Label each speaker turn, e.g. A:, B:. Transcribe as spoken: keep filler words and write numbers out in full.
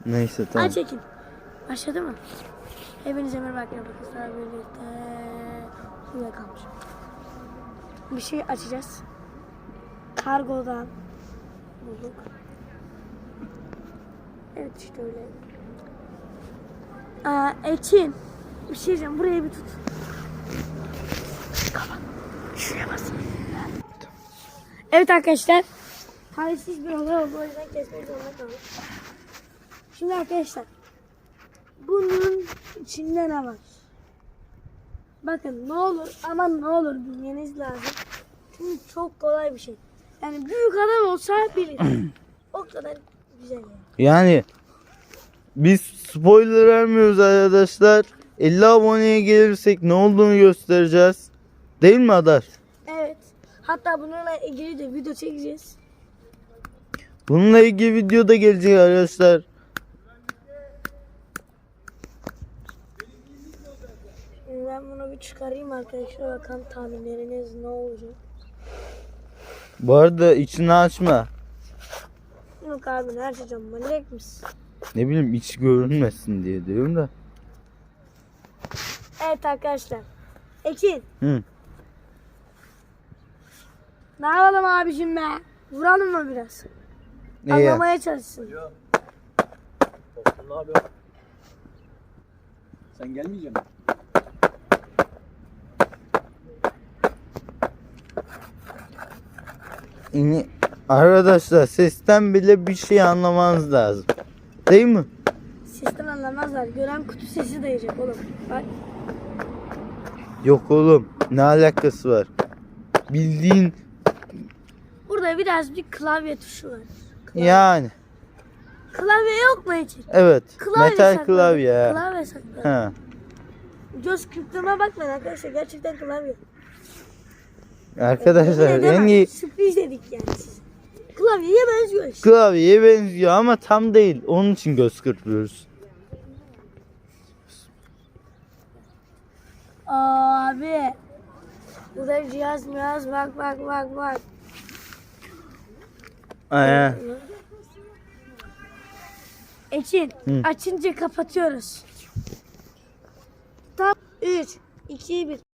A: Neyse tamam.
B: Hadi çekin. Başladı mı? Hepinize merhaba arkadaşlar. Birlikte şuraya kalmış. Bir şey açacağız. Kargodan bulduk. Evet işte öyle. Aa, Ekin. Bir şey diyeceğim. Buraya bir tut. Kapat. Şuraya bas. Evet arkadaşlar. Talihsiz bir olay oldu. O yüzden kesmek zorunda kaldık. Şimdi arkadaşlar. Bunun içinde ne var? Bakın ne olur ama ne olur bilmeniz lazım. Çünkü çok kolay bir şey. Yani büyük adam olsa bilir. O kadar güzel yani.
A: Yani biz spoiler vermiyoruz arkadaşlar. elli aboneye gelirsek ne olduğunu göstereceğiz. Değil mi Adar?
B: Evet. Hatta bununla ilgili de video çekeceğiz.
A: Bununla ilgili video da gelecek arkadaşlar.
B: Şimdi ben bunu bir çıkarayım arkadaşlar. Bakalım tahminleriniz ne olacak.
A: Bu arada içini açma.
B: Yok abi ne açacağım? Manyak mısın?
A: Ne bileyim içi görünmesin diye diyorum da.
B: Evet arkadaşlar. Ekin.
A: Hı.
B: Ne yapalım abicim be? Vuralım mı biraz?
A: Ne ya?
B: Anlamaya çalışsın.
C: Dostum ne yapıyorsun? Sen gelmeyecek misin?
A: Yani arkadaşlar sesten bile bir şey anlamanız lazım. Değil mi?
B: Sesten anlamazlar. Gören kutu sesi dayayacak oğlum. Bak.
A: Yok oğlum. Ne alakası var? Bildiğin
B: Burada biraz bir klavye tuşu var. Klavye,
A: yani.
B: klavye yok mu Ekin?
A: Evet.
B: Klavye
A: Metal
B: saklı.
A: klavye. ha.
B: Klavye saklı.
A: Ha.
B: Göz kırptığıma bakmayın arkadaşlar. Gerçekten klavye.
A: Arkadaşlar
B: Yine de
A: en
B: bak,
A: iyi
B: sürpriz dedik yani size. Klavyeye benziyor işte.
A: klavyeye benziyor ama tam değil. Onun için göz kırpıyoruz.
B: Abi. Burada bir cihaz mihaz bak bak bak bak.
A: Aynen.
B: Ekin
A: Hı.
B: açınca kapatıyoruz. Tam üç, iki, bir.